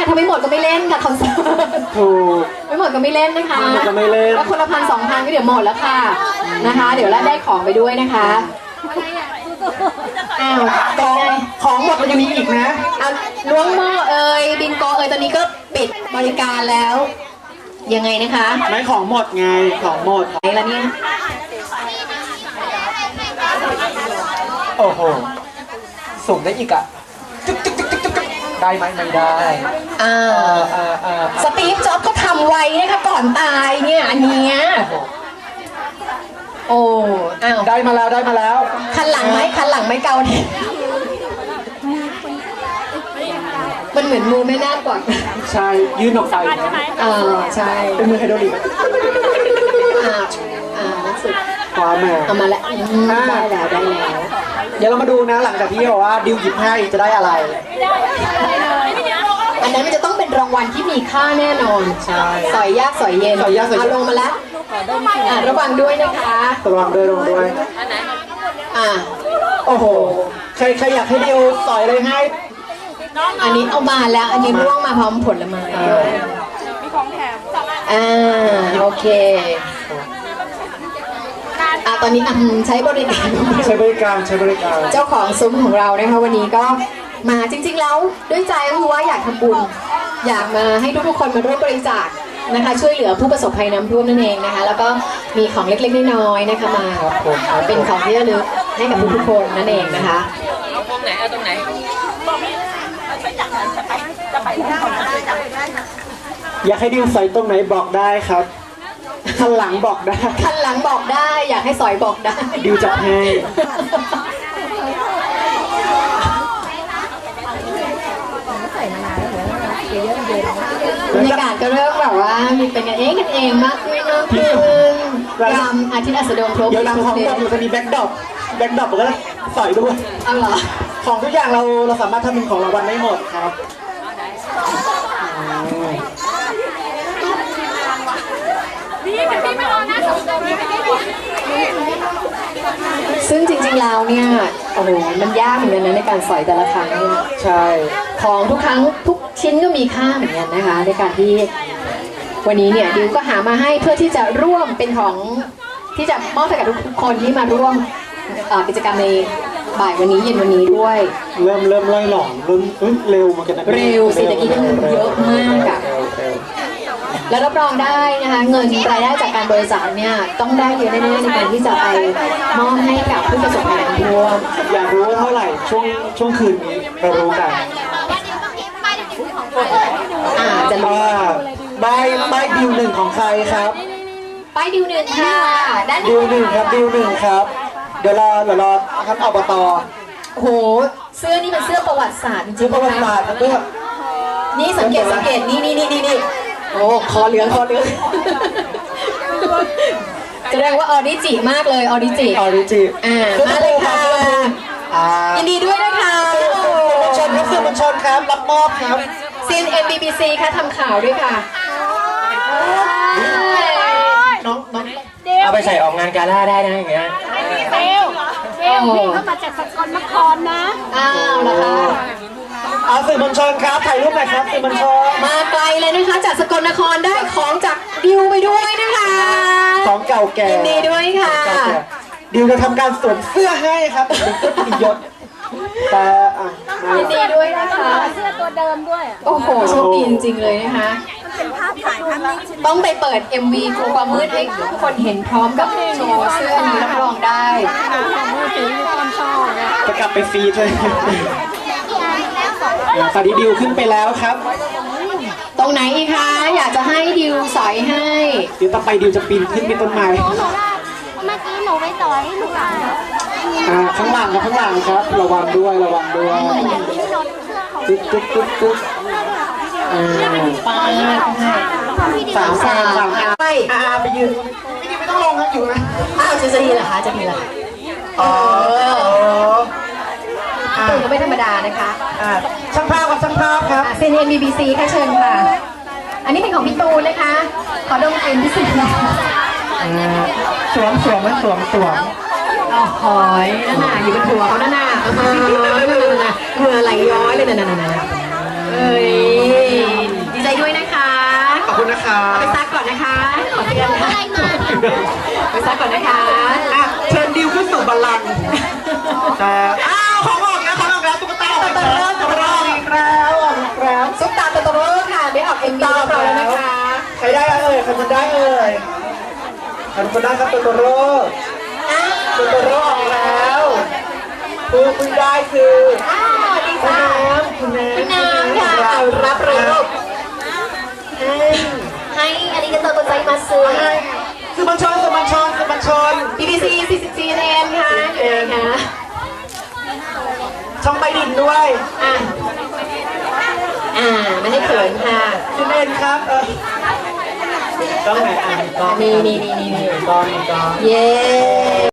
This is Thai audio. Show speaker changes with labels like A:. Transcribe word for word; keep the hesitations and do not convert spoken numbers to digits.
A: ถ้าไม่หมดก็ไม่เล่นค่ะคอนเสิร์ต
B: ถูก
A: ไม่หมดก็ไม่เล่นนะคะ
B: ไม่หมดก็ไม่เล่น
A: แล้วคนละพันสองพันก็เดี๋ยวหมดแล้วค่ะนะคะ เดี๋ยวแล้วได้ของไปด้วยนะคะอ้าวเป็นไง
B: ของหมดมันยังมีอีกนะ
A: เอาล้วงหม้อเอ่ยบินโกเอ่ยตอนนี้ก็ปิดบริการแล้วยังไงนะคะ
B: ไม่ของหมดไงของหมด
A: ไหนละเนี่ย
B: โอ้โหสุ่มได้อีกอ่ะได้ไหมไม่ได้
A: อ่าอ่าอ่าสตีฟจ็อบส์เขาทำไว้นะคะก่อนตายเนี่ยอันเนี้ยโอ้อ้าว
B: ได้มาแล้วได้มาแล้ว
A: คันหลังไหมคันหลังไหมเกาเนี่ยมันเหมือนมือไม่น่ากว่า
B: ใช่ยื่นออกไป
A: เออใช่
B: เป็นมือไฮโดรลิก
A: อ่าอ่านักสุด
B: ความแม่
A: เอามาแล้วได้แล้วได้แล้ว
B: เดี๋ยวเรามาดูนะหลังจากที่บอกว่าดิวหยิบให้จะได้อะไร
A: อันนั้นมันจะต้องเป็นรางวัลที่มีค่าแน่นอน
B: ใช่
A: สอยยากสอยเย็น
B: สอยยากสอยเย็น
A: ลงมาแล้วอ่าระวังด้วยนะคะ
B: ระวังด้วยระวังด้วย
A: อ่า
B: โอ้โหใครใครอยากให้ดิวสอยเลยให้
A: อันนี้เอามาแล้วอันนี้ร่วงมาพร้อมผลไม้มีของแถมอ่าโอเคอ่าตอนนี้ใช้บริการ
B: ใช้บริการใช้บริการ
A: เจ้าของซุ้มของเรานะคะวันนี้ก็มาจริงๆแล้วด้วยใจก็คือว่าอยากทำบุญอยากมาให้ทุกๆคนมาร่วมบริจาคนะคะช่วยเหลือผู้ประสบภัยน้ำท่วมนั่นเองนะคะแล้วก็มีของเล็กๆน้อยๆนะคะมาเป็นของที่ระลึกให้กับทุกๆคนนั่นเองนะคะ
C: เอาตรงไหนเอาตรงไหน
B: อยากให้ดิวใส่ตรงไหนบอกได้ครับคันหลังบอกได้
A: คันหลังบอกได้อยากให้สอยบอกได้
B: ดิวจะให้
A: บรรยากาศก็เริ่มแบบว่ามีเป็นกันเองกันเองมากขึ้นมากขึ้นยามอาทิตย์อัสดงครบ
B: เดี๋ยวเราของดอกมันจะมีแบ็คดรอปแบ็คดรอปมันก็ใส่ด้วย
A: เอาเหรอ
B: ของทุกอย่างเราเราสามารถทำเป็นของรางวัลได้หมดครับ
A: ซึ่งจริงๆแล้วเนี่ยโอ้โหมันยากเหมือนกันนะในการสอยแต่ละครั้งเนี่ย
B: ใช่
A: ของทุกครั้งทุกชิ้นก็มีค่าเหมือนกันนะคะในการที่วันนี้เนี่ยดิวก็หามาให้เพื่อที่จะร่วมเป็นของที่จะมอบให้กับทุกคนที่มาร่วมกิจกรรมในบ่ายวันนี้เย็นวันนี้ด้วย
B: เริ่มเริ่มไล่หลอนเริ่มเร็วมากันนะ
A: เร็วสิตะกี้คือเยอะมากอะแล้วรับรองได้นะคะเงินรายได้จากการบริจาคเนี่ยต้องได้เยอะแน่ๆในการที่จะไปมอบให้กับผู้ประสบภัยน้ำท่วม
B: อยากรู้ว่าเท่าไหร่ช่วงช่วงคืนนี้เรารู้กัน
A: อ่าจะรู้
B: ว่าใบใบดิวหนึ่งของใครครับ
A: ใบดิวหนึ่งค่ะด้าน
B: ดิวหนึ่งครับดิวหนึ่งครับเดี๋ยวรอเดี๋ยวรอครับอบต.
A: โอ้โหเสื้อนี่เป็นเสื้อประวัติศาสตร์จริงๆ
B: ประวัติศาสตร์ครับด้วย
A: นี่สังเกตสังเกตนี่นี่นี่นี่นี่โอ้คอเหลืองคอเหลืองแสดงว่าออดิจิมากเลยออดิจิ
B: ออดิจิ
A: อ่ามาเลยค่ะยินดีด้วยนะคะ
B: มวลชนครับสื่อมวลชนครับรับมอบครับ
A: ซีนเอ็นบีบีซีค่ะทำข่าวด้วยค่ะ
B: น้องน้อง
C: เอาไปใส่ออกงานกาล่าได้นะอย่างเงี้ย
D: เบลเบลพี่เขามาจากสกลนครนะ
A: อ้าวนะคะ
B: เอาสื่อมวลชนครับถ่ายรูปหน่อยครับสื่อมวลชน
A: มาไกลเลยนะคะจากสกลนครได้ของจากดิวไปด้วยนะคะ
B: ของเก่าแก่
A: ยินดีด้วยค่ะ
B: ดิวจะทำการสวมเสื้อให้ครับเป็นเสื้อปิยศแต่
A: ยินดีด้วยนะคะ
D: เสื้อตัวเดิมด้วย
A: โอ้โหโชคดีจริงๆเลยนะคะ
D: เป็นภาพถ่ายภาพนิ่ง
A: ต้องไปเปิด เอ็ม วี ครูความมืดให้ทุกคนเห็นพร้อมกับโชว์เสื้อนี้รับรองได้
B: จะกลับไปฟรีเลยตอนนี้ดิวขึ้นไปแล้วครับ
A: ตรงไหนอีกคะอยากจะให้ดิวสอยให้
B: เดี๋ยวต่อไปดิวจะปีนขึ้นไปต้นไม้
D: เมื่อกี้หนูไปต่อยลูกอ่ะ
B: อ่าข้างหลังครับข้างหลังครับระวังด้วยระวังด้วยตุ๊กตุ๊กตุ๊กตุ๊กอ่า
A: ป้า
B: สามสามสามไปอ่าไปยืนไม่ดีไม่ต้องลงครับอยู่นะ
A: อ้าวจะจะดีเหรอคะจะดีเหรอ
B: อ๋อ
A: ตูนก็ไม่ธรรมดานะคะ
B: ช่างภาพกับช่างภาพครับ
A: ซีเอ็นบีบีซีค่ะเชิญค่ะอันนี้เป็นของพี่ตูนนะคะขอดมกลิ่นพิเศษ
B: สวมสวมไหมสวมสวม
A: อ๋อหอยนั่นน่ะอยู่บนหัวเขานั่นน่ะนั่นน่ะเหงื่อไหลย้อยเลยนั่นน่ะเอ้ยไปซักก่อนนะคะ
B: อ่ะเชิญดิวขึ้นสู่บัลลังก์แต่อ้าวของออกแล้วของออกแล้วตุ๊กตาตุ๊กตาตุ๊กตาอีกแล้วออกอีกแล้ว
A: ซุปตาโตโตโร่ค่ะได้ออกเอ็มวีเรียบร้อยแล้วนะคะ
B: ใครได้เอ่ยใครมันได้เอ่ยใครมันได้ครับโตโตโร่โตโตโร่ออกแล้วคือคุณได้คือ
A: อ้าวดี
B: คุณ
A: จ้า
B: น้ำคุณน้ำ
A: คุณน้ำค่ะเอารับเลยลูกให้อาริกาโตโกไซมาซึ
B: ให้สื่อมวลชนสื่อมวลชนสื่อมวลชน
A: บีบีซีซีซีเอ็นค่ะเอ็นค่ะ
B: ช่องใบดินด้วย
A: อ่ะอ่าไม่ให้เขินค่ะ
B: คุณเอ็นครับเออต้องไหนอ่านกล้อง
A: นี่นี่นี่นี่นี่
B: กล้องกล้อง
A: เย้